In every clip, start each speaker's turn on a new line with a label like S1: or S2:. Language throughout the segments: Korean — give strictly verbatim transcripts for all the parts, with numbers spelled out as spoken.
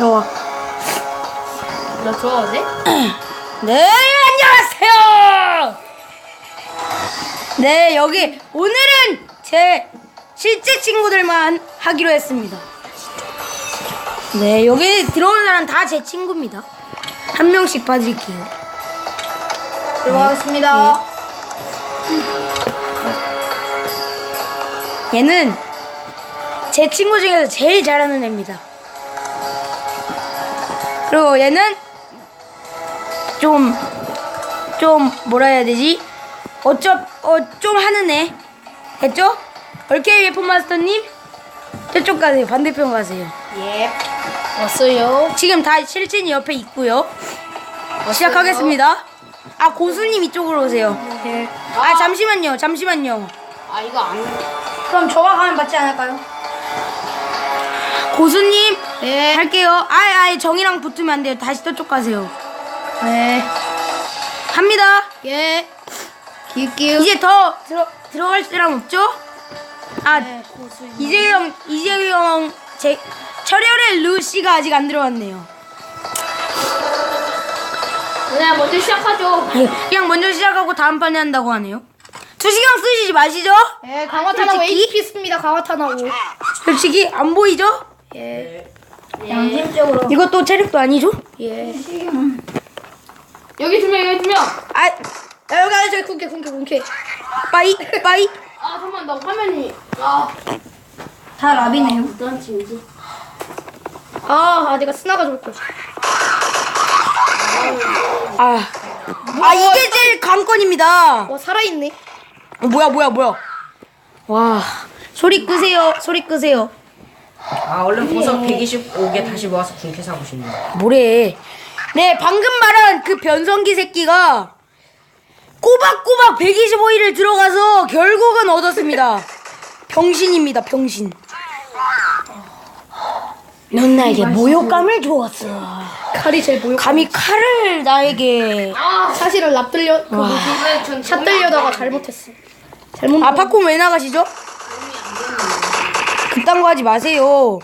S1: 들어와.
S2: 나 들어가도 돼?
S1: 네, 안녕하세요. 네, 여기 오늘은 제 실제 친구들만 하기로 했습니다. 네, 여기 들어오는 사람 다 제 친구입니다. 한 명씩 봐드릴게요.
S2: 들어가겠습니다.
S1: 얘는 제 친구 중에서 제일 잘하는 애입니다. 그리고 얘는 좀, 좀 뭐라 해야 되지? 어쩌, 어, 좀 하는 애. 됐죠? 얼케이 웨폰 마스터님, 저쪽 가세요. 반대편 가세요.
S2: 예. 왔어요.
S1: 지금 다 실진이 옆에 있고요. 시작하겠습니다. 아, 고수님 이쪽으로 오세요.
S2: 예.
S1: 아, 잠시만요. 잠시만요.
S2: 아 이거 안.
S1: 그럼 저가 가면 맞지 않을까요? 고수님,
S2: 네.
S1: 할게요. 아예 아예 정이랑 붙으면 안 돼요. 다시 저쪽 가세요.
S2: 네.
S1: 합니다.
S2: 예. 기울기울.
S1: 이제 더 들어 들어갈 사람 없죠? 아,
S2: 네,
S1: 이재경 이재경 제 철혈의 루시가 아직 안 들어왔네요.
S2: 그냥 먼저 시작하죠.
S1: 그냥 먼저 시작하고 다음 판에 한다고 하네요. 두 시간 쓰시지 마시죠?
S2: 예, 강화탄하고
S1: 솔직히?
S2: 에이티피 씁니다. 강화탄하고.
S1: 솔직히 안 보이죠?
S2: 예. 양심적으로.
S1: 이것도 체력도 아니죠?
S2: 예. 여기 두 명, 여기 두 명.
S1: 아,
S2: 야, 여기 안에 저기 군캐, 군캐, 군캐.
S1: 빠이 빠이.
S2: 아, 잠깐만, 나 화면이. 아.
S1: 다 랍이네요.
S2: 어떤 팀이지? 아, 아, 내가 스나가 좋을 거야.
S1: 아, 아 이게 제일 관건입니다.
S2: 와, 살아있네.
S1: 어, 뭐야 뭐야 뭐야. 와, 소리 끄세요. 소리 끄세요.
S3: 아 얼른 보석 백이십오 개 다시 모아서 군캐 사고 싶네요.
S1: 뭐래? 네, 방금 말한 그 변성기 새끼가 꼬박꼬박 백이십오 일을 들어가서 결국은 얻었습니다. 병신입니다, 병신. 넌 나에게 모욕감을 주었어.
S2: 칼이 제일 보여.
S1: 감히 칼을 나에게.
S2: 아, 사실은 랍 들려, 그 뭐지? 샷 들려다가 잘못했어. 잘못.
S1: 아, 팝콘 왜 나가시죠? 그딴 거 하지 마세요.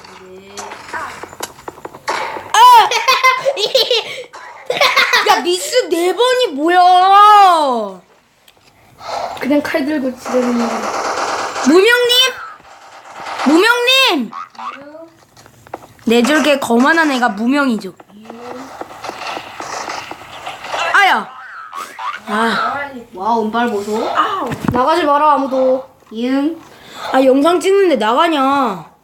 S1: 아! 야, 미스 네 번이 뭐야?
S2: 그냥 칼 들고 지르는 거.
S1: 무명님? 무명님! 네 줄게 거만한 애가 무명이죠. 아야! 아,
S2: 와, 운빨 보소. 나가지 마라, 아무도. 이응.
S1: 아 영상 찍는데 나가냐?